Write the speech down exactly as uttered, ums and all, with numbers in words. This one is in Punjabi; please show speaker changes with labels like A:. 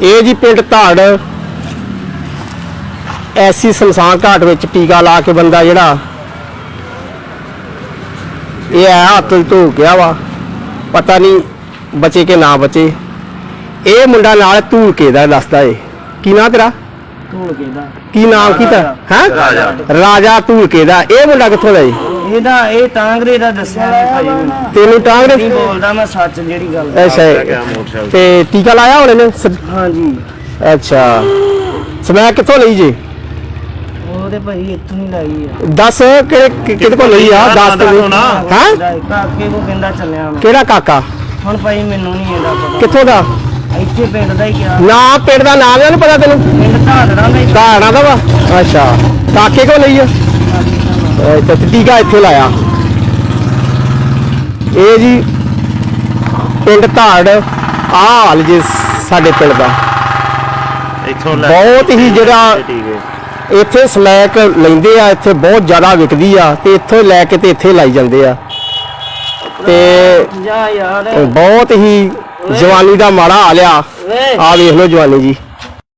A: ਇਹ ਜੀ ਪਿੰਡ ਧਾੜ ਐਸੀ ਸਮਸਾਨ ਘਾਟ ਵਿੱਚ ਟੀਕਾ ਲਾ ਕੇ ਬੰਦਾ ਜਿਹੜਾ ਇਹ ਆ ਹੱਥ ਧੋ ਗਿਆ ਵਾ, ਪਤਾ ਨਹੀਂ ਬਚੇ ਕਿ ਨਾ ਬਚੇ। ਇਹ ਮੁੰਡਾ ਨਾਲ ਧੂਲਕੇ ਦਾ ਦੱਸਦਾ ਏ। ਕੀ ਨਾਂ ਤੇਰਾ?
B: ਧੂਲਕੇ ਦਾ।
A: ਕੀ ਨਾਮ ਕੀਤਾ ਹੈ? ਰਾਜਾ। ਰਾਜਾ ਧੂਲਕੇ ਦਾ। ਇਹ ਮੁੰਡਾ ਕਿੱਥੋਂ ਦਾ ਏ?
B: ਇਹਦਾ ਇਹ ਟਾਂਗਰੇ ਦਾ ਦੱਸਿਆ ਜੀ ਭਾਈ ਮੈਨੂੰ।
A: ਤੈਨੂੰ ਟਾਂਗਰੇ
B: ਨਹੀਂ ਬੋਲਦਾ ਮੈਂ ਸੱਚ ਜਿਹੜੀ ਗੱਲ।
A: ਅੱਛਾ ਤੇ ਟੀਕਾ ਲਾਇਆ ਹੁਣ ਇਹਨੇ?
B: ਹਾਂਜੀ।
A: ਅੱਛਾ ਸਮੈਕ ਕਿੱਥੋਂ ਲਈ ਜੀ?
B: ਉਹਦੇ ਭਾਈ ਇੱਥੋਂ ਹੀ ਲਾਈ ਆ।
A: ਦੱਸ ਕਿਹੜੇ ਕਿਹਦੇ ਕੋਲ ਲਈ ਆ? ਦੱਸ ਤੇ ਹਾਂ
B: ਕਾਕੇ ਕੋ ਕਹਿੰਦਾ ਚੱਲਿਆ ਮੈਂ।
A: ਕਿਹੜਾ ਕਾਕਾ?
B: ਹੁਣ ਭਾਈ ਮੈਨੂੰ ਨਹੀਂ ਇਹਦਾ ਪਤਾ।
A: ਕਿੱਥੋਂ ਦਾ?
B: ਇੱਥੇ ਪਿੰਡ ਦਾ ਹੀ ਗਿਆ।
A: ਨਾ ਪਿੰਡ ਦਾ ਨਾਮ ਇਹਨੂੰ ਪਤਾ ਤੈਨੂੰ?
B: ਪਿੰਡ ਧਾੜੜਾ ਦਾ ਹੀ।
A: ਧਾੜੜਾ ਦਾ ਵਾ। ਅੱਛਾ ਕਾਕੇ ਕੋਲ ਲਈ ਆ? ਅੱਛਾ ਟੀਕਾ ਇੱਥੇ ਲਾਇਆ। ਇਹ ਜੀ ਪਿੰਡ ਧਾੜ ਆ ਹਾਲ ਜੀ ਸਾਡੇ ਪਿੰਡ ਦਾ।
C: ਇੱਥੋਂ
A: ਬਹੁਤ ਹੀ ਜਿਹੜਾ ਇੱਥੇ ਸਮੈਕ ਲੈਂਦੇ ਆ, ਇੱਥੇ ਬਹੁਤ ਜ਼ਿਆਦਾ ਵਿਕਦੀ ਆ ਤੇ ਇੱਥੋਂ ਲੈ ਕੇ ਤੇ ਇੱਥੇ ਲਾਈ ਜਾਂਦੇ ਆ ਤੇ
B: ਜਾ ਯਾਰ
A: ਬਹੁਤ ਹੀ ਜਵਾਨੀ ਦਾ ਮਾੜਾ ਹਾਲ ਆ। ਆ ਵੇਖ ਲਓ ਜਵਾਨੀ ਜੀ।